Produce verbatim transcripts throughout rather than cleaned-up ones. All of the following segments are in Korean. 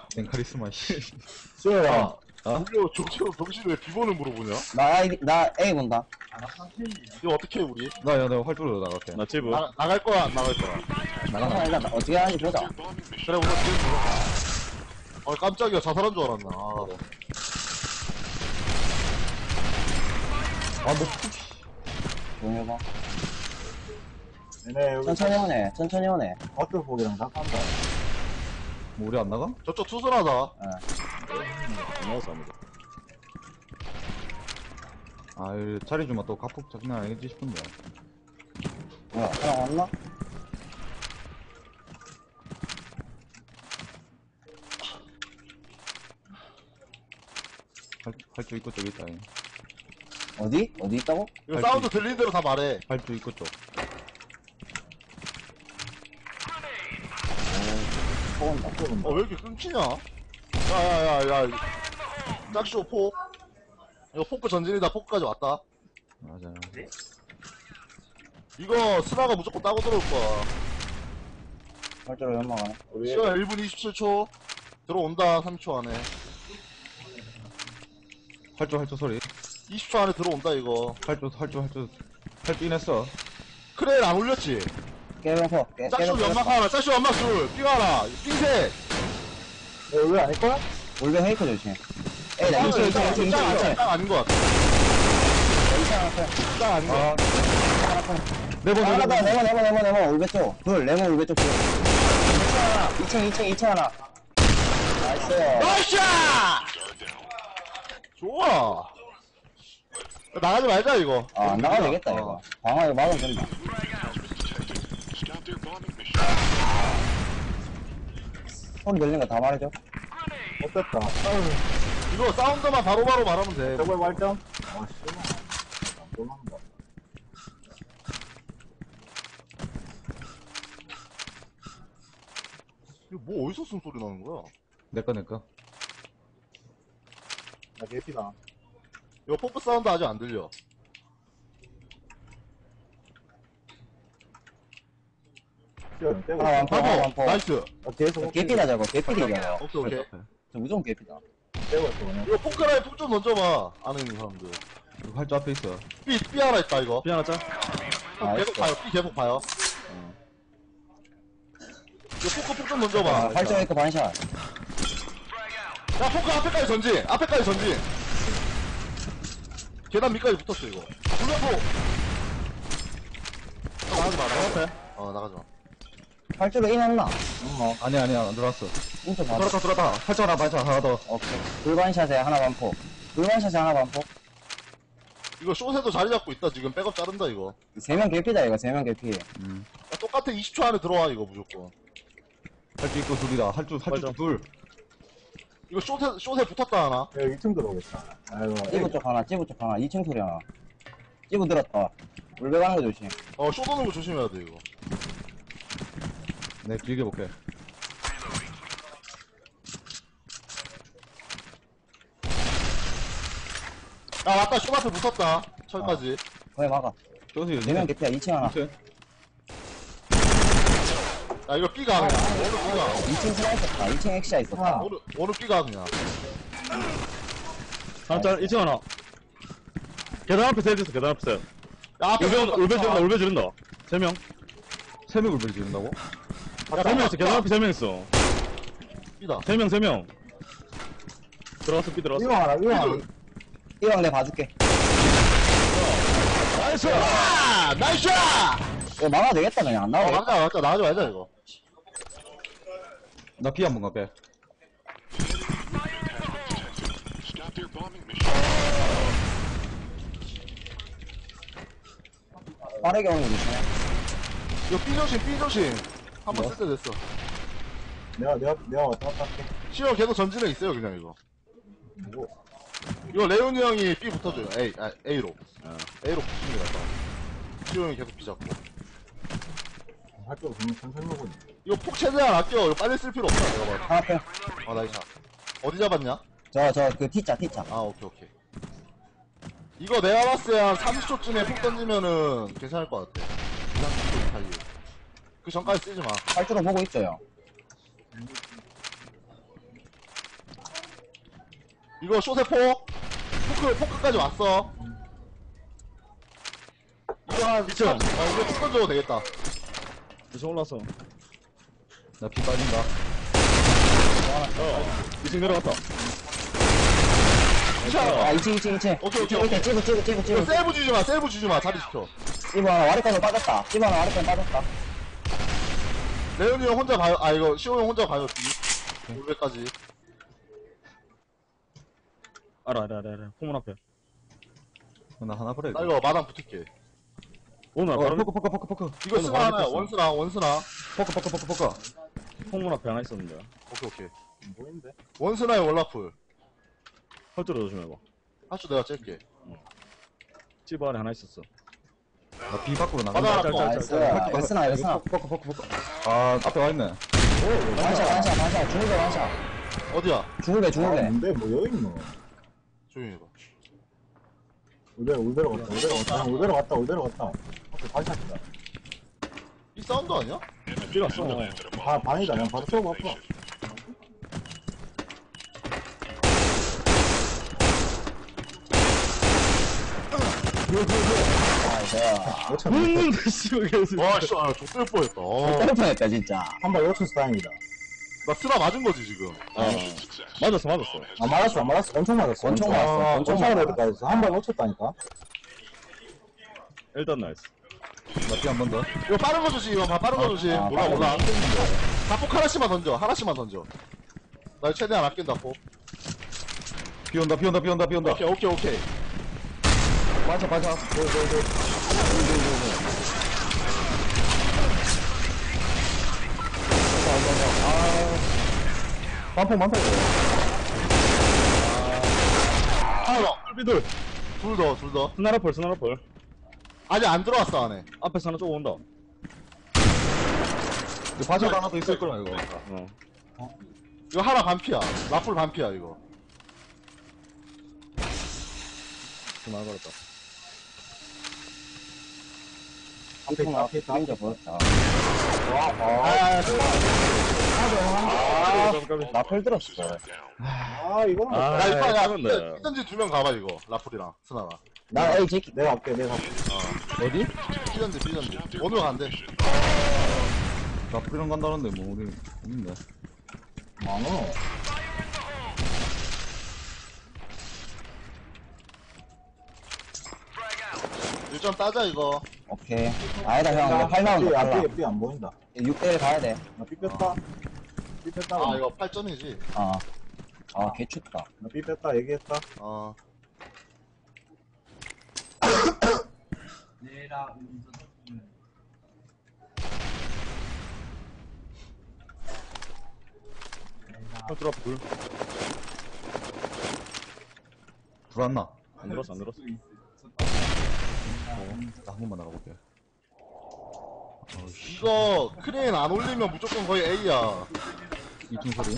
내 카리스마, 씨. 수호야. 어? 우리가 정치로 정신 왜 비번을 물어보냐? 나 A, 나 A 본다. 이거 어떻게 해, 우리? 나, 야, 내가 활주로 나갈게. 나 찌부. 나, 나갈 거야, 안 나갈 거야? 나가서 일단 어떻게 하는지 보자. 그래, 우선 지금 물어봐. 아, 깜짝이야. 자살한 줄 알았나. 아, 아, 뭐, 조용히 해봐. 얘네 여기 천천히 오네, 천천히 오네. 어떤 폭이랑 다 간다. 뭐 우리 안 나가? 저쪽 투순하다. 나와서 합니다. 아, 이 자리 주면 또 가폭 장난 아니겠지 싶은데. 뭐야, 사람 왔나? 할, 할주 입구 쪽 있다. 잉. 어디? 어디 있다고? 이거 할수 사운드 있- 들리는 대로 다 말해. 할주 입구 쪽. 포온다. 어, 왜 이렇게 끊기냐? 야, 야, 야, 야. 짝쇼 폭. 이거 포크 전진이다. 포크까지 왔다. 맞아. 이거 스나가 무조건 따고 들어올 거야. 활주로 연막하네. 우리 시간 일 분 이십칠 초. 들어온다. 삼 초 안에. 활주, 활주 소리. 이십 초 안에 들어온다, 이거. 활주, 활주, 활주. 활주 인했어. 크레인 안 올렸지? 깨병포, 깨, 짝쇼 연막 하나, 짝쇼 연막 둘, 삥 하나, 삥셋. 여기 왜 아닐걸? 올뱅 헤이크 조심. 에이, 나 이층, 이층, 이층, 이층, 이층. 딱 아닌 것 같아. 이층 하나 펴. 딱 아닌 것 같아. 하나 펴. 네번, 하나 더, 네번. 네모, 네모, 네모, 네모, 올베 쪽. 둘, 네모, 올베 쪽. 둘. 이층 하나, 이층, 이층, 이층 하나. 나이스. 나이스! 좋아. 나가지 말자, 이거. 아, 안 나가도 되겠다, 어. 이거. 방어 이거 막으면 된다. 소리 들리는 거 다 말해줘. 어땠다. 이거 사운드만 바로바로 말하면 돼. 저걸 말점? 아, 씨발. 놀란다. 이거 뭐 어디서 숨소리 나는 거야? 내꺼, 내꺼. 나 개피다. 이거 포크 사운드 아직 안 들려. 시간 떼고. 하나 완포, 하나 바보! 완포. 나이스! 어, 계속. 개피다, 저거. 개피디잖아. 오케이, 오케이. 저 무조건 개피다. 떼고 있어, 그냥. 이거 포크라인 폭 좀 던져봐. 안에 있는 사람들. 활주 앞에 있어. 삐, 삐 하나 있다, 이거. 피 하나 짜? 형 계속 봐요, 삐 계속 봐요. 이거 포크 폭 좀 던져봐. 아, 활짝 헤이크 반샷. 야, 포크 앞에까지 전진! 앞에까지 전진! 계단 밑까지 붙었어, 이거. 불려포! 어, 나가지 마, 나가지 마. 어, 나가지 마. 활주로 인했나? 어, 아니야, 아니야, 안 들어왔어. 인터 받아. 들어왔다, 들어왔다. 활주 하나, 발차 하나 더. 오케이. 불반샷에 하나 반포. 불반샷에 하나 반포. 이거 쇼세도 자리 잡고 있다, 지금. 백업 자른다, 이거. 세 명 개피다, 이거. 세 명 개피. 음. 야, 똑같아, 이십 초 안에 들어와, 이거, 무조건. 활주 입구 둘이다. 활주, 활주 맞아. 둘. 이거 쇼세, 쇼세 붙었다, 하나. 여기 이 층 들어오겠다. 아이고. 찌부 쪽 하나, 찌부 쪽 하나. 이 층 소리 하나. 찌부 들었다. 울베 가는 거 조심. 어, 쇼 도는 거 조심해야 돼, 이거. 내 길게 볼게. 야, 맞다, 쇼 앞에 붙었다. 철까지. 거기 막아. 저기, 네 명 개피야. 이 층 하나. 야, 이거 B가 그냥. 어느 B가. 이 층 스나 있었다. 이 층 엑시아 있었다. 어느, 어느 B가 그냥. 하나 짜? 이 층 하나. 계단 앞에 세 있어, 계단 앞에 세. 야, 앞에 울베, 붙었다. 울베 지른다, 울베 지른다. 세 명. 세 명을 벨 지른다고? 세 명 있어, 계단 앞에 세 명 있어. B다. 세 명, 세 명. 들어왔어, 삐 들어왔어. 이거 하나, 이거 하나. 이왕 내가 봐줄게. 나이스! 아! 나이스! 이거 막아도 되겠다. 그냥 안 어, 나오게. 맞다, 맞다. 나가지 말자, 이거. 나 비 한번 가빼. 빠르게 오는 거 조심해. 이거 B 조심, B 조심. 한 번 쓸 때 됐어. 내가, 내가, 내가 왔다 갔다 할게. 시어 계속 전진해 있어요, 그냥 이거. 뭐. 이거 레온이 형이 B 붙어줘요. A, 아, A로. 어. A로 붙이는 게 낫다. 시어 형이 계속 B 잡고. 학교 보면 천천히 먹으니. 이거 폭 최대한 아껴. 이거 빨리 쓸 필요 없다, 내가 봐도. 하나 펴. 아, 나이스. 어디 잡았냐? 저, 저, 그 T자, T자. 아, 오케이, 오케이. 이거 내가 봤을 때 한 삼십 초쯤에 폭 던지면은 괜찮을 것 같아. 삼십 초 사이에. 그 전까지 쓰지 마. 활주로 보고 있어요. 이거 쇼세 포 포크 포크까지 왔어. 이거 한 미쳐. 어 이거 포크 줘도 되겠다. 무슨 올랐어. 나 피 빠진다. 이층 내려갔다. 아, 이 층, 이 층, 이 층. 오케이, 오케이, 이렇게 찍어, 찍어, 찍어, 이거 찍어. 세이브 주지 마, 세이브 주지 마, 자리 지켜. 찌부 하나 와리까지 빠졌다. 찌부 하나 와리까지 빠졌다. 레온이 형 혼자 봐요. 아 이거 시호 형 혼자 봐요. 올백까지. 알아, 알아, 알아, 알아. 포문 앞에. 나 하나 버려. 나 이거 마당 붙을게. 오늘 어, 바로 포크, 포크, 포크, 포크. 이거 오늘 쓰나 많이 하나야. 뺐어. 원스나, 원스나. 포크, 포크, 포크, 포크. 포문 앞에 하나 있었는데. 오케이, 오케이. 안 보이는데? 원스나의 월라풀. 헐뜯어 조심해봐. 하추 내가 짤게. 집 안에 하나 있었어. 나 비 밖으로 바다 나간다. 하나 짤, 더. 짤, 나이스. 웨스나, 웨스나. 포크, 포크, 포크, 포크. 아, 앞에 와있네. 완샷, 완샷, 완샷. 중국에 완샷. 어디야? 중국에, 아, 중국에. 뭔데? 뭐 여기 있노? 조용히 해봐. 울베로, 울베로 갔다, 울베로 갔다, 울베로 갔다, 울베로 갔다. 앞에 다시 왔다. 이 사운드 아니야? 뛰었어. 바, 반이다. 그냥 바로 쏘고 아파. 나이스. 오천 못 음, 씨발, 계속. 와, 씨, 아, 족될 뻔했다. 어. 때릴 뻔했다, 진짜. 한발 오천 스타입니다. 나 쓰나 맞은 거지, 지금. 어. 맞았어, 맞았어. 아, 맞았어, 안 맞았어. 엄청 맞았어. 엄청 아, 맞았어, 엄청 엄청 맞았어. 맞았다. 한발 놓쳤다니까. 일단 나이스. 나 피 한 번 더. 이거 빠른 거 조심, 이거 봐, 빠른 거 조심. 아, 몰라, 빠른 몰라. 거. 다폭 하나씩만 던져, 하나씩만 던져. 나 최대한 아낀다, 폭. 비 온다, 비 온다, 비 온다, 비 온다. 오케이, 오케이, 오케이. 맞아, 맞아. 네, 네, 네. 반폭 많다, 이거. 하나 더. 삐둘. 둘 더, 둘 더. 스나라펄, 스나라펄. 아직 안 들어왔어, 안에. 앞에서 하나 쪽 온다. 이거 바지가 하나 더 있을 거야, 이거. 어. 이거 하나 반피야. 라풀 반피야, 이거. 스나 걸었다. 앞에 있다, 앞에 있다. 진짜 보였다. 아, 아, 깜깜이. 나펠 들었어. 아, 이거는. 아, 야, 이거, 야, 이건데. 피던지 두 명 가봐, 이거. 라풀이랑, 스나랑. 나 에이, 제키. 내가 할게, 내가 할게. 어디? 피던지, 피던지. 오늘 간대. 나 프리랑 간다는데, 뭐, 우리, 없는데. 많어. 일 점 따자, 이거. 오케이. 아니다, 형. 이거 팔 나온다, 팔 나. 삐, 삐 안 보인다. 육 대일 가야 돼. 나삐 뺐다. 삐 뺐다. 아, 이거 팔 점이지. 어. 아, 개춥다. 나삐 뺐다, 얘기했다. 어. 헐뜯 앞에 둘. 불안나. 안 들었어, 안 들었어. 나 한 번만 나가볼게. 이거, 크레인 안 올리면 무조건 거의 A야. 이중 소리.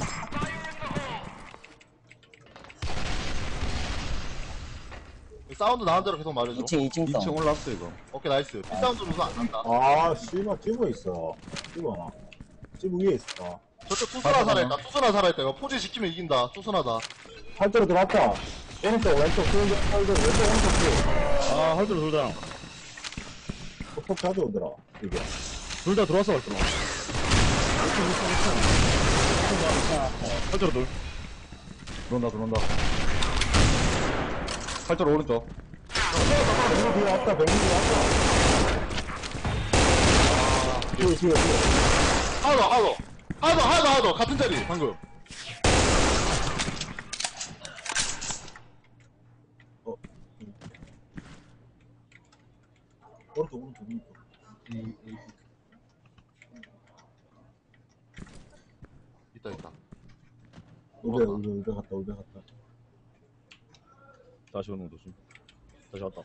사운드 나온 대로 계속 말해줘. 이 층, 이 층 이 덩. 층 올라왔어, 이거. 오케이, 나이스. 피 사운드 우선 안 난다. 아, 씨발, 찌고 있어. 찌고 하나. 찌고 위에 있어. 저쪽 투스나 살아있다. 투스나 살아있다. 이거 포지 지키면 이긴다. 투스나다. 팔대로 들어왔다. 오른쪽, 왼쪽, 오른쪽, 팔대로, 왼쪽, 오른쪽, 아, 헐뜯어 둘 다. 폭 가져오더라, 이게. 둘 다 들어왔어, 헐뜯어. 헐뜯어 둘. 들어온다, 들어온다. 팔절 오른쪽. 병이 뒤에 왔다, 병이 뒤에 왔다. 뒤에, 뒤에, 뒤에. 하나 더, 하나 더. 하나 더, 하나 더, 하나 더. 같은 자리, 방금. 오른쪽, 오른쪽, 오른쪽. 있다, 있다. 울베, 울베, 울베 갔다, 울베 갔다. 다시 오는 거 조심. 다시 왔다.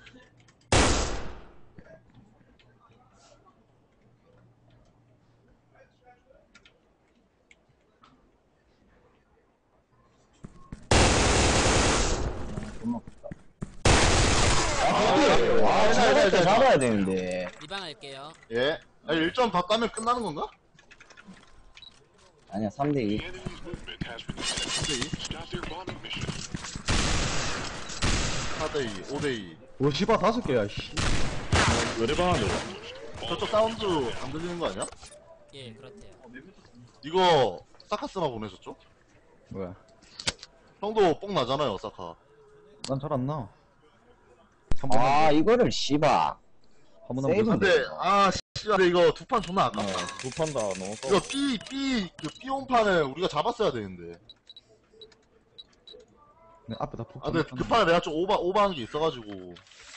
존나 컸다. 아, 잘, 잘, 잘 잘. 잡아야 되는데. 리방할게요. 예. 아, 일 점 더 따면 끝나는 건가? 아니야, 삼 대 이. 근데 이? 사 대 이, 오 대 이. 오, 씨발, 다섯 개야, 씨. 외래방한데. 저쪽 사운드 안 들리는 거 아니야? 예, 그렇대요. 이거 사카스나 보내셨죠? 왜? 형도 뽕 나잖아요, 사카. 난 잘 안 나. 한 번만, 아, 이거를, 씨발. 한 번만 세이브. 더. 근데 아 씨, 근데 이거 두 판 존나 아깝다. 두 판 다 너무 써. 이거 B B 그 B 온판을 우리가 잡았어야 되는데. 내 앞에 다 폭. 아 근데 그 판에 내가 좀 오바 오바한 게 있어가지고.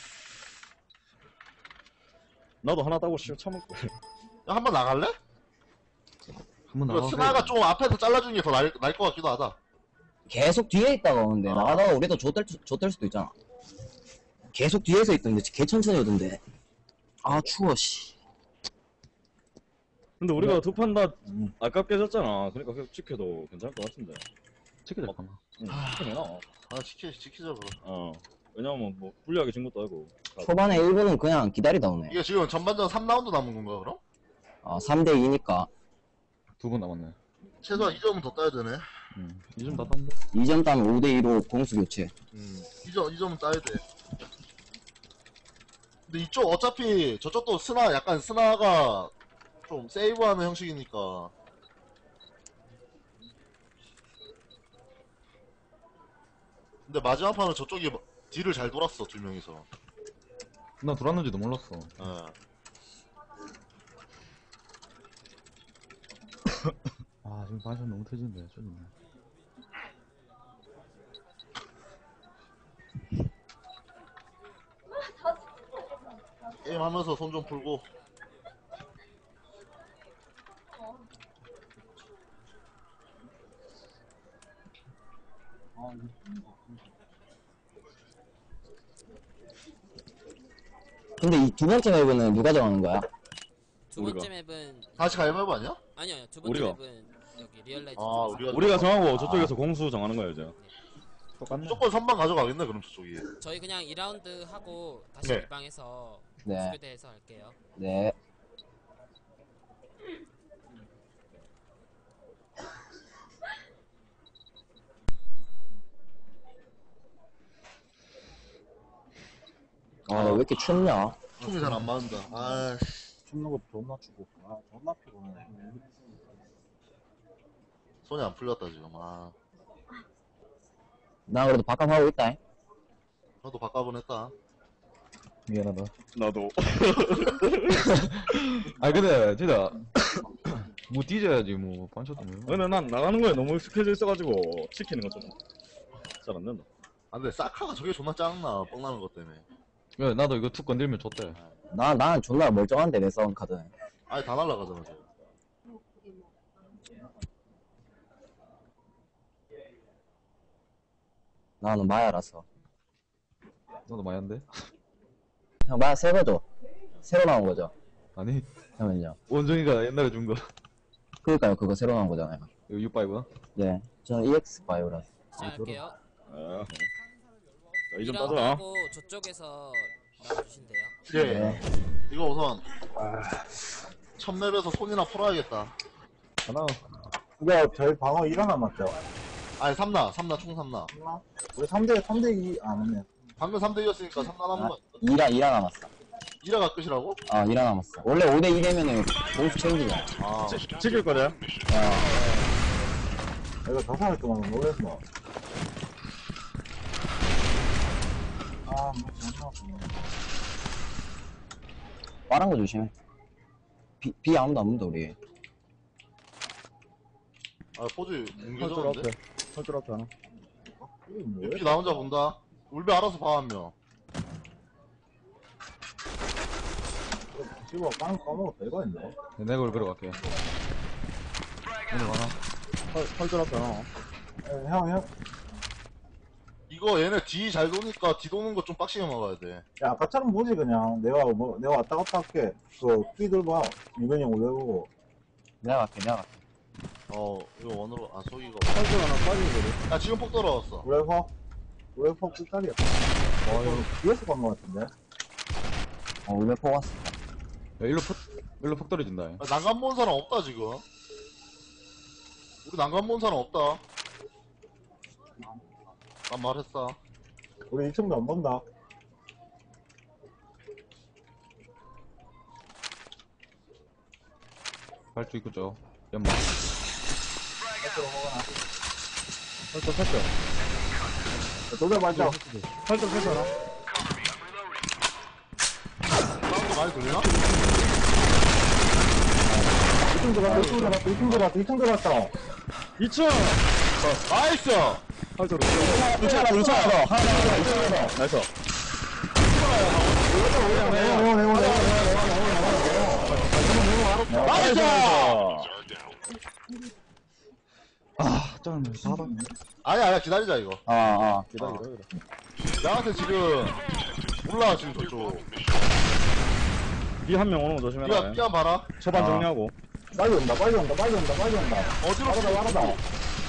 나도 하나 따고 씨 참을게. 야, 한번 나갈래? 한번 이거 나가. 스나가 좀 앞에서 잘라주는 게 더 나을 나을 것 같기도 하다. 계속 뒤에 있다가 오는데, 아. 나가다가 우리도 좆될, 좆될 수도 있잖아. 계속 뒤에서 있던데, 개 천천히 오던데. 아, 추워, 씨. 근데 우리가 두 판 다 아깝게 졌잖아. 그러니까 계속 지켜도 괜찮을 것 같은데. 치킨 될 거나. 응, 지켜내나. 아 지키 지키자 그럼. 어. 왜냐면 뭐 불리하게 진 것도 아니고. 초반에 일 분은 그냥 기다리다 오네. 이게 지금 전반전 삼 라운드 남은 건가 그럼? 아, 삼 대 이니까. 두 번 남았네. 최소한 이 점은 더 따야 되네. 응. 이점 다 땄는데? 이 점 따면 오 대 이로 공수 교체. 음, 이 점, 이 점은 따야 돼. 근데 이쪽 어차피 저쪽도 스나 약간 스나가 좀 세이브하는 형식이니까. 근데 마지막 판은 저쪽이 딜을 잘 돌았어 두 명이서. 나 돌았는지도 몰랐어. 예. 아, 지금 반샷 너무 터지는데, 쩌네. 게임 하면서 손 좀 풀고. 근데 이 두 번째 맵은 누가 정하는 거야? 두 우리가. 번째 맵은 다시 가위바위보 아니야? 아니요, 아니요. 두 번째 우리가. 맵은 여기 리얼라이즈. 아, 쪽에서. 우리가 우리가 정하고 저쪽에서 공수 정하는 거야 이제. 똑같네. 무조건 선방 가져가겠네 그럼 저쪽이. 저희 그냥 이 라운드 하고 다시 네. 이 방에서 네. 수교대에서 할게요. 네. 아, 왜 이렇게 춥냐? 총이 잘 안 맞는다. 아씨, 춥는 것도 존나 추고. 아, 존나 피곤해. 손이 안 풀렸다 지금. 아, 나 그래도 바깥 하고 있다. 나도 바꿔본 했다. 미안하다. 나도. 아니, 근데, 진짜. 뭐 뒤져야지, 뭐. 반샷도 뭐. 근데 난 나가는 거에 너무 익숙해져 있어가지고 지키는 건 좀 잘 안 된다. 아 근데 사카가 저게 존나 짱나 뻥나는 것 때문에. 야, 나도 이거 툭 건들면 좋대. 나, 나는 존나 멀쩡한데, 내 싸운 카드. 아예 다 날라가잖아 저거. 나는 마야라서. 나도 마야인데? 형, 마야 새 거죠? 새로 나온 거죠? 아니, 형은요? 원정이가 옛날에 준 거. 그니까요, 그거 새로 나온 거잖아요. 이거 육바이브야? 네. 저는 이엑스 바이오라서. 시작할게요. 아. 이 이 점 라운드 따자. 하고 저쪽에서 나와주신대요. 예. 네. 이거 우선 첫 맵에서 손이나 풀어야겠다. 하나. 이거 저희 방어 일 하나 맞죠? 아니 삼나, 삼나 총 삼나. 우리 삼 대, 삼 대 이, 아, 맞네. 방금 삼 대 이였으니까 삼나 남은 거. 이라, 이라 남았어. 이라가 끝이라고? 아, 이라 남았어. 원래 오 대 이 되면은 공수 체인지잖아. 아, 지, 지킬 거냐? 이거 저 사람 동안 놀랬어. 아, 뭐, 존나 아프네. 빠른 거 조심해. 비, 비 아무도 안 문다, 우리. 아 포즈 헐줄 뭉개졌는데? 앞에. 헐줄 앞에 하나. 이게 뭐야? 피 나 혼자 본다. 울베 알아서 봐 한 명. 지금 까먹, 까먹어 별거 있네. 내가 올 걸어갈게. 오늘 와라. 헐, 헐줄 앞에 하나. 에, 형, 형. 이거 얘네 뒤 잘 도니까 뒤 도는 거 좀 빡시게 막아야 돼. 야, 아까처럼 보지, 그냥. 내가, 뭐, 내가 왔다 갔다 할게. 그, 끼들 봐. 유변이 형 올려보고. 내가 갈게, 내가 갈게. 어, 이거 원으로, 아, 소기가. 헐줄 하나 빠지는 거지. 야, 지금 폭 떨어졌어. 우레퍼? 우레퍼 끝자리야. 와, 이거 뒤에서 간 거 같은데? 어, 울베 포 왔어. 야, 일로 폭, 일로 폭 떨어진다. 야, 난간 본 사람 없다, 지금. 우리 난간 본 사람 없다. 난 말했어. 우리 이 층도 안 본다. 발주 있고 죠 연막. 살짝 살짝 도배 맞죠? 살짝 살짝 사운드 많이 들리나? 이 층 들어갔다, 이 층 들어갔다, 이 층 들어갔다, 이 층 들어갔다. 이 층 나이스! 살짝 이 층 하나, 이 층 하나 더. 하나 더, 이 층 하나 더. 나이스 내원, 내원, 내원, 내원. 나이스! 아, 짠, 사다. 아니야, 아니야, 기다리자, 이거. 아, 아. 기다려 기다려 나한테 지금, 몰라, 지금 저쪽. B 한 명 오는 거 조심해라 니가, 니가 봐라. 초반 아. 정리하고 빨리 온다, 빨리 온다, 빨리 온다, 빨리 온다. 어디로 빠르다, 빠르다. 야,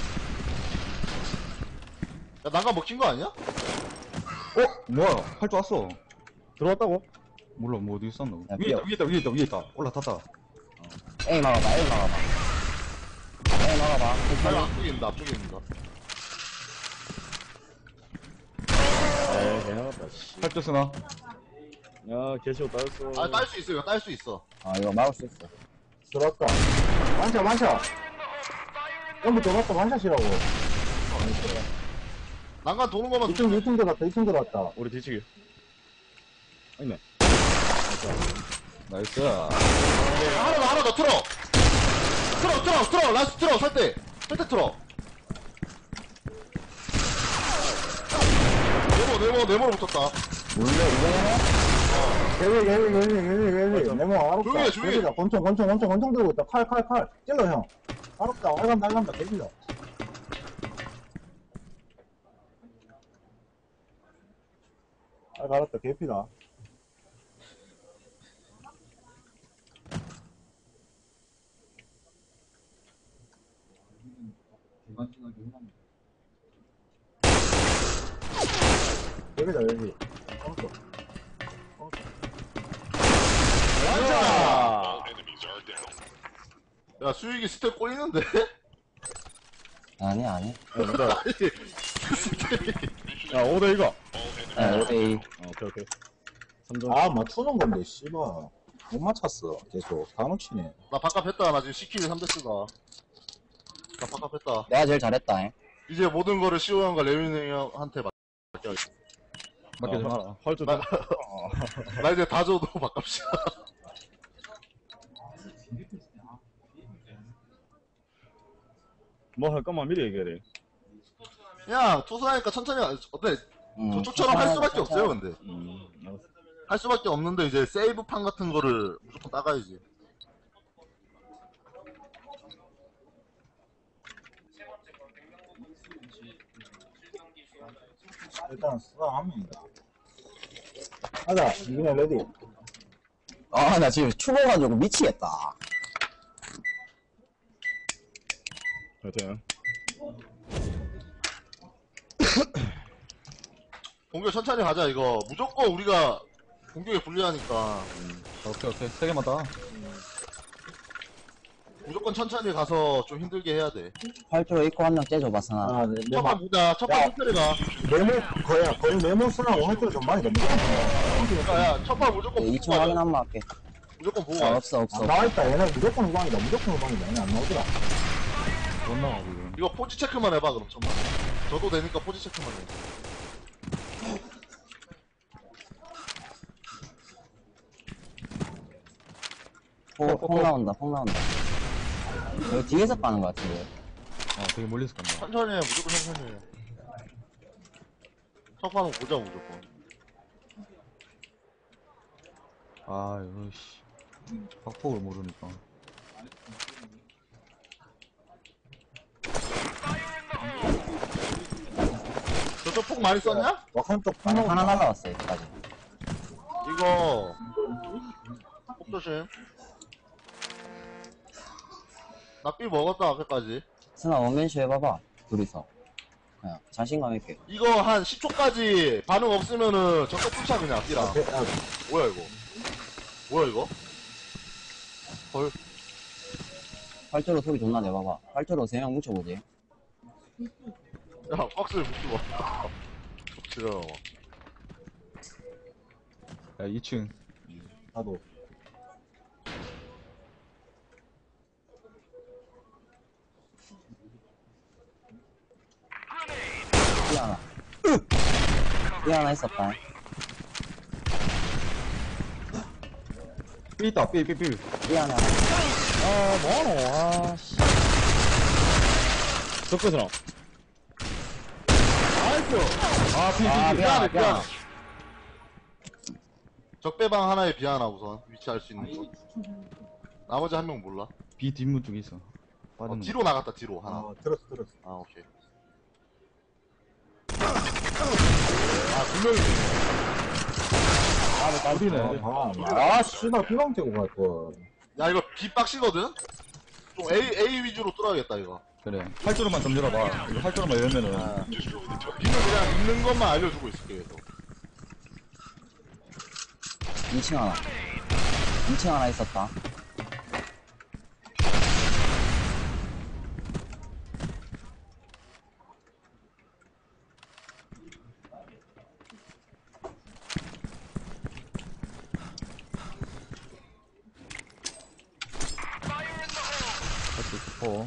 난간 먹힌 거 아니야? 어? 뭐야? 팔주 왔어. 들어왔다고? 몰라, 뭐 어디 있었노? 야, 위에 있다, 위에 있다, 위에 있다, 위에 있다. 올라탔다. A 막아봐, A 막아봐. A 막아봐. 아니, 앞쪽에 있는다, 앞쪽에 있는다. 에이 개나갔다 씨. 팔주 쓰나? 야 개시오 따였어 아, 딸 수 있어, 이거 딸 수 있어. 아, 이거 막을 수 있어. 들어왔다. 완샷, 완샷. 연비 들어왔다, 완샷이라고. 난간 도는 것만 이 층, 이 층 들어갔다, 이 층 들어갔다. 우리 뒤치기 아니네 나이스. 하나 더, 하나 더 틀어! 틀어, 틀어, 틀어! 라스트 틀어, 살 때! 살 때 틀어! 네모, 네모, 네모로 붙었다. 몰래, 이거는? 개위, 개위, 개위, 개위, 개위. 네모, 알았다. 조용히 해, 조용히 해. 개위다. 권총, 권총, 권총, 권총 들고 있다. 칼, 칼, 칼. 찔러, 형. 알았다, 알간다, 알간다, 개위다. 아, 알았다, 개피다. 여기다, 여기. 컴퓨터. 완전! 야, 수익이 스텝 꼬이는데? 아니, 아니. 야 오 대 이거 아, 오 대 이. 어, 오케이 오케이 삼 점 아, 맞추는 건데, 씨발. 못 맞췄어, 계속. 다 놓치네. 나 바깥 했다. 나 지금 시키는 삼 대스다. 나 바깥 했다. 내가 제일 잘했다, 잉. 이제 모든 거를 시호 형과 레윤이 형한테 맡겨. 맡기지 마라. 활주 나, 나 이제 다 줘도 바깝시다. 뭐 할 거만 미리 얘기해래 그냥 투수하니까 천천히, 가- 어때? 음, 저쪽처럼 할 수밖에 없어요, 근데. 음 알았어 할 수밖에 없는데, 이제 세이브판 같은 거를 무조건 따가야지. 일단, 수상 한 명이다. 하자, 이기네, 레디. 아, 나 지금 추워가지고 미치겠다. 화이팅 공격 천천히 가자, 이거. 무조건 우리가 공격에 불리하니까. 오케이, 오케이. 세 개만 다. 무조건 천천히 가서 좀 힘들게 해야 돼. 활주로 입고 한 명 째줘봐, 선아. 아, 네, 내 첫판 말. 보자. 첫판 야. 천천히 가. 네모, 거의, 거의 네모 쓰라고 할 때 전반이 너무 야, 야, 첫판 무조건 이 보고 층 확인 가자. 한번 할게. 무조건 보고 아, 가. 없어, 없어. 안 나와있다. 얘네 무조건 후방이다. 무조건 후방이다. 얘네 안 나오더라. 못 나와, 지금. 이거 포지 체크만 해봐, 그럼 천만. 저도 되니까 포지 체크만 해. 폭, 폭 나온다, 폭 나온다. 여기 뒤에서 빠는 것 같은데. 아, 되게 멀리서 간다. 천천히 해, 무조건 천천히 해. 첫 판은 보자, 무조건. 아, 이거, 씨. 확폭을 모르니까. 저쪽 폭 많이 썼냐? 와칸 쪽 아니, 하나 하나 날라왔어, 여기까지. 이거 폭 조심. 나 삐 먹었다 앞에까지. 선아, 원맨쇼 해봐봐. 둘이서. 그냥, 자신감 있게. 이거 한 십 초까지 반응 없으면은 적극 풀차 그냥 삐라. 앞에, 아, 뭐야 이거? 뭐야 이거? 헐. 활주로 소리 존나 내봐봐. 활주로 세 명 뭉쳐보지. 야 박스를 묶고 와. 들어. 야, 이 층. 나도. 삐 하나. 삐 하나 있었다. 삐 있다, 삐, 삐, 삐. 삐 하나. 아, 뭐하노, 아, 씨. 적배스나. 아, 삐, 아, 삐, 삐. 삐 하나, 삐 하나. 적배방 하나에 비 하나 우선 위치 알 수 있는 거. 나머지 한 명 몰라. 비 뒷문 쪽에 있어. 어, 빠졌네. 뒤로 나갔다 뒤로 하나. 아, 들었어, 들었어. 아 오케이. 아두 명이. 우리네. 아, 아, 씨발, 피방 째고 갈 거. 야 이거 비 빡시거든. 좀 A A 위주로 뚫어야겠다 이거. 그래. 활주로만 좀 열어봐. 이거 활주로만 열면은. 아, 비는 그냥 있는 것만 알려주고 있을게 계속. 이 층 하나. 이 층 하나 있었다. 할수 있고.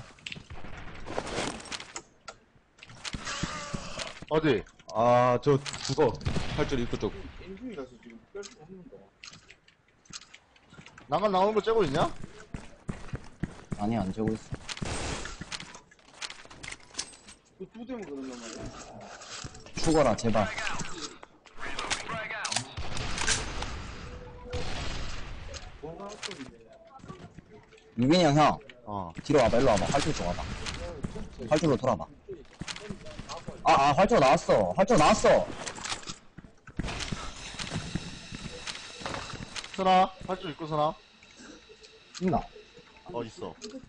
어디? 아, 저, 그거. 활주로 입구 쪽. 난간 나오는 거 째고 있냐? 아니, 안 재고 있어. 죽어라, 제발. 유빈이 형, 형. 어. 뒤로 와봐, 일로 와봐. 활주로 쪽 와봐. 활주로 돌아봐. 아, 아, 활주로 나왔어. 활주로 나왔어. 스나? 팔줄 입고 스나? 있나? 어 있어.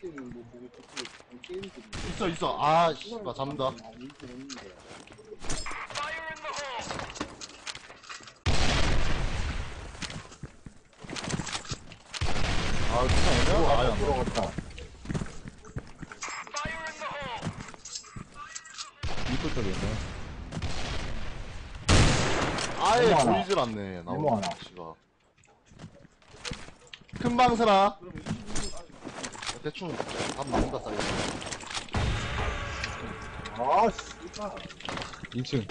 있어 있어. 아 씨발 잡는다. 아 진짜 애매하다. 아예 안 들어. 들어갔다. 입구 쪽에 있네. 아예 네모 하나. 보이질 않네. 네모 나오는 하나. 위치가. 큰 방 스나? 대충 답 나온다 사이즈. 아, 씨발. 이 층.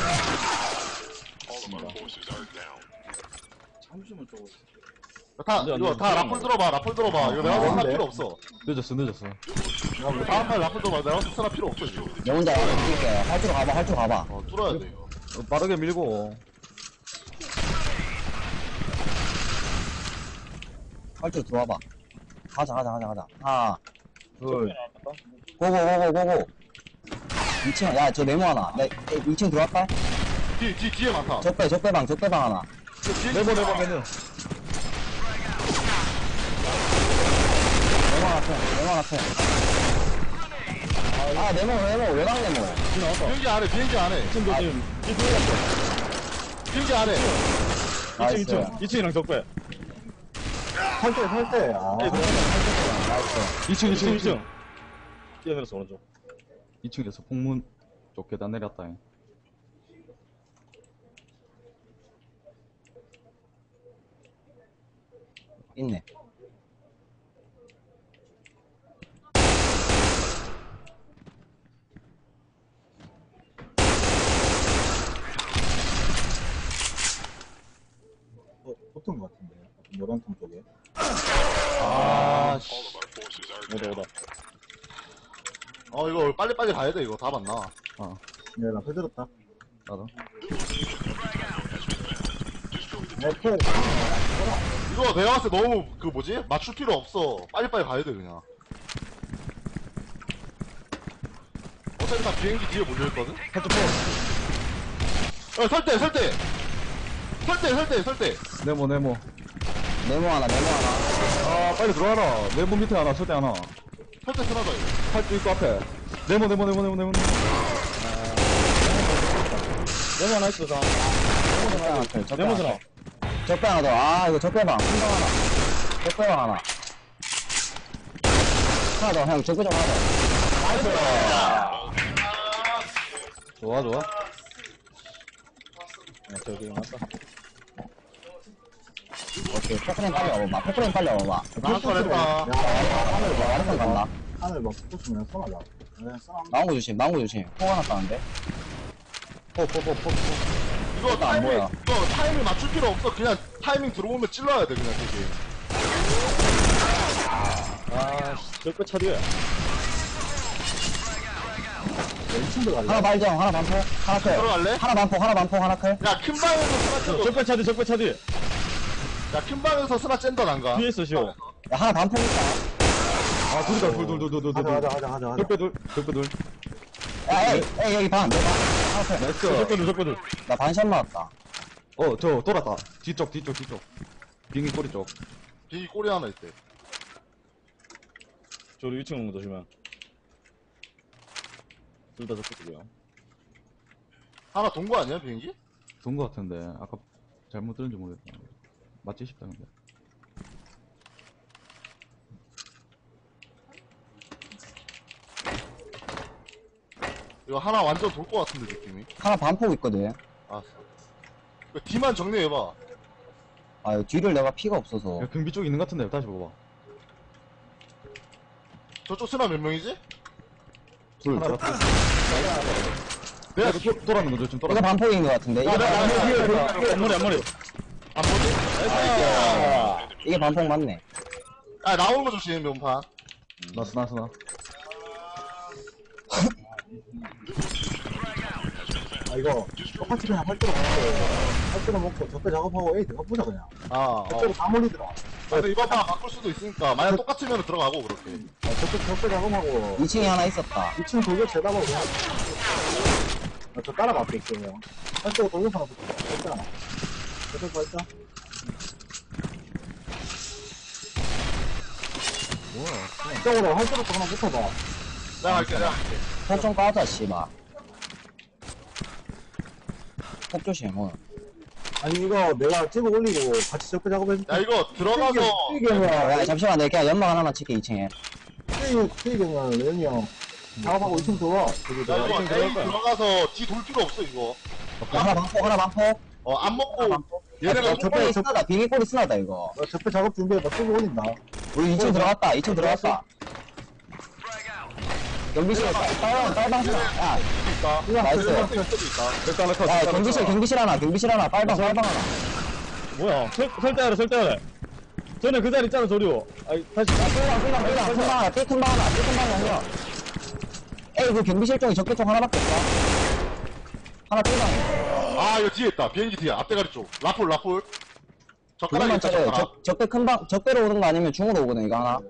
다 안 돼, 안 이거 돼. 다 라플 들어봐. 라플 들어봐. 이거 내가 아, 스나 안 돼. 필요 없어. 늦었어, 늦었어. 다음 판 라플 들어봐. 내가 스나 필요 없어 지금. 내 혼자 뛸게. 활주로 가봐, 활주로 가봐. 어 뚫어야 돼 이거. 어, 빠르게 밀고. 활주로 들어와봐. 가자, 가자, 가자, 가자. 하나, 둘. 고고, 고고, 고고. 이 층, 야, 저 네모 하나. 내, 이 층 들어갈까? 뒤, 뒤, 뒤에 많다. 적배, 적배방, 적배방 하나. 네모, 네모, 네모. 네모 하나 펴, 네모 하나 펴. 아, 네모, 네모, 외곽 네모. 비행기 안에, 비행기 안에. 지금 몇 층? 비행기 안에. 이 층, 이 층. 이 층이랑 적배. 설 때, 설 때. 아, 이 층, 이 층, 이 이 층. 층. 뛰어내려서 오른쪽. 이 층에서 폭문 쪽 계단 내렸다. 있네. 어, 붙은 것 같은데. 노란통 쪽에. 아, 씨. 오다, 오다. 어, 이거 빨리빨리 가야 돼, 이거. 다 봤나? 네, 나 해들었다. 나도. 네, 풀. 이거 내가 봤을 때 너무, 그 뭐지? 맞출 필요 없어. 빨리빨리 가야 돼, 그냥. 어차피 다 비행기 뒤에 몰려있거든? 살짝 어, 설 때, 설 때! 설 때, 설 때, 설 때! 네모, 네모. 네모 하나, 네모 하나. 아, 빨리 들어와라. 네모 밑에 하나, 설대 하나. 설 때 쓰나봐, 이거. 팔주 입구 앞에. 네모, 네모, 네모, 네모, 네모. 네모 하나 있어, 자. 적배 하나 펴, 적배 네모 하나. 스나. 적배 하나 더. 아, 이거 적배방. 한방 하나. 적배방 하나. 하나 더, 형, 적배 좀 하나 더. 나이스! 좋아, 좋아. 저기 맞다. 오케이, 포크레인 빨리 와봐봐. 포크레인 빨리 와봐봐. 한건 했다. 야, 하늘 봐, 아래선 간다. 하늘 막 붙으면 써나자. 그냥 써나. 나온 거 조심, 나온 거 조심. 포 하나 따는데? 포, 포, 포, 포, 포. 이거 안 타이밍, 보여. 이거 타이밍 맞출 필요 없어. 그냥 타이밍 들어오면 찔러야 돼, 그냥 되게. 아, 저거 차디야. 이 층 들어갈래? 하나 발정, 하나 반포, 하나 클. 들어갈래? 하나 반포, 하나 반포, 하나 클. 야, 큰 방에서 스나 째도. 적배 차디, 적배 차디. 야, 큰 방에서 스나 쨘다, 난가. 뒤에 있어, 시오. 야, 하나 반포 있다. 아, 둘이다, 둘, 둘, 둘, 둘, 둘, 가자, 둘. 가자, 가자, 가자, 가자. 적배 둘, 적배 둘. 야, 에이, 에이, 여기 반, 내 반. 하나 클. 나이스. 적배들, 적배들. 나 반샷 맞았다. 어, 저, 돌았다. 뒤쪽, 뒤쪽, 뒤쪽. 비행기 꼬리 쪽. 비행기 꼬리 하나 있대. 저리 이 층 오는 거 조심해. 둘 다 적배들이야. 하나 돈 거 아니야, 비행기? 좋은 거 같은데. 아까 잘못 들은지 모르겠다. 맞지 싶다, 근데. 이거 하나 완전 돌 거 같은데, 느낌이. 하나 반포 있거든. 알았어. 그 뒤만 정리해봐. 아, 이 뒤를 내가 피가 없어서. 야, 경비 쪽 있는 것 같은데. 다시 봐봐. 저쪽 스나 몇 명이지? 둘. 하나 맞다. 내가 야, 도- 돌아는 거죠, 지금 이거 돌아. 반포인 것 같은데. 이게 야, 나, 나, 반포, 나, 앞머리, 앞머리. 안 보지? 이게 반포 맞네. 아, 나오는 거 조심, 면판. 나스, 나스, 나. 아, 이거 똑같이 그냥 할 때로 먹고, 할 때로 먹고, 적배 작업하고, 에이, 들어가 보자, 그냥. 아, 어. 적배로 다 몰리더라. 근데 이번 판 바꿀 수도 있으니까. 만약 똑같으면 들어가고, 그렇게. 아, 적배, 적배 작업하고, 이 층에 하나 있었다. 이 층 돌격 제다고 그냥. 나 저 따라갈게, 그냥. 할 때로 돌격 하나 붙어. 적배 하나. 적배 발자. 뭐야. 이쪽으로 할 때로 하나 붙어봐. 내가 할게, 내가 할게. 폭좀 까자, 씨발. 폭 조심, 뭐. 아니, 이거 내가 찍어 올리고 같이 적배 작업해줄게. 야, 이거 들어가서. 튀기면, 야, 잠시만, 내가 그냥 연막 하나만 칠게, 이 층에. 튀기면, 레온이 형. 작업하고 이 층 들어와. 저기 야, 들어와. 이거 층 들어갈 A 거야. 들어가서 뒤 돌 필요 없어, 이거. 하나 방폭, 하나 방폭. 어, 안 먹고. 야, 얘네가 저- 꼬리 쓰나다, 비행기 꼬리 쓰나다, 이거. 나 적배 작업 준비해봐. 찍어 올린다. 우리 이 층 들어갔다, 이 층 들어갔다. 경비실, 빨방, 빨방 쓰나. 야, 있다. 나이스. 수도 있다. 백다 하나 컷. 야, 경비실, 경비실 하나, 경비실 하나, 빨방, 빨방 하나. 뭐야, 설, 설대하래, 설대하래. 전에 그 자리 있잖아, 조류. 아이, 다시. 야, 끌방, 끌방, 끌방, 큰 방 하나, 큰 방 하나, 큰 방 하나. 에이, 그 경비실 쪽에 적개 쪽 하나밖에 없다. 하나 끌방. 아, 이거 뒤에 있다. 비행기 뒤에. 앞대가리 쪽. 라폴, 라폴. 젓가락 그것만 있다, 차려. 젓가락. 적, 적배 큰 방, 적배로 오는 거 아니면 중으로 오거든, 이거 하나.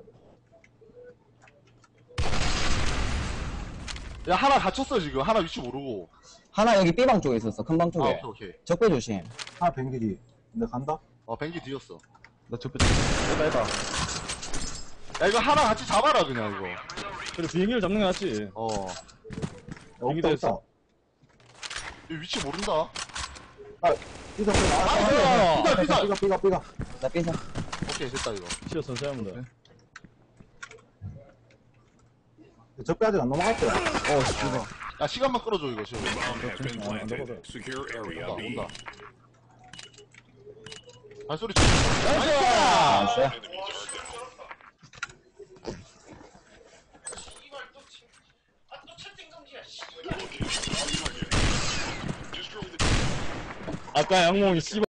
야, 하나 갇혔어, 지금. 하나 위치 모르고. 하나 여기 B방 쪽에 있었어, 큰 방 아, 쪽에. 오케이, 오케이. 적배 조심. 하나 뱅기지. 근데 간다? 어, 비행기 뒤였어. 나 적배 쪽. 해다, 해다. 야, 이거 하나 같이 잡아라, 그냥, 이거. 그래, 비행기를 잡는 게 낫지. 어. 야, 뱅기도 없다, 했어. 없다. 이 위치 모른다. 삐가, 삐가. 아, 삐가, 삐가. 삐가, 삐가, 삐가. 나 B사. 오케이, 됐다, 이거. 치어 선수 하면 돼. 적배 아직 안 넘어갔더라. 야, 시간만 끌어줘, 이거, 지금. Secure area 온다, B. 온다. 발소리 쳐. 나이스. 아까 양몽이 씨발.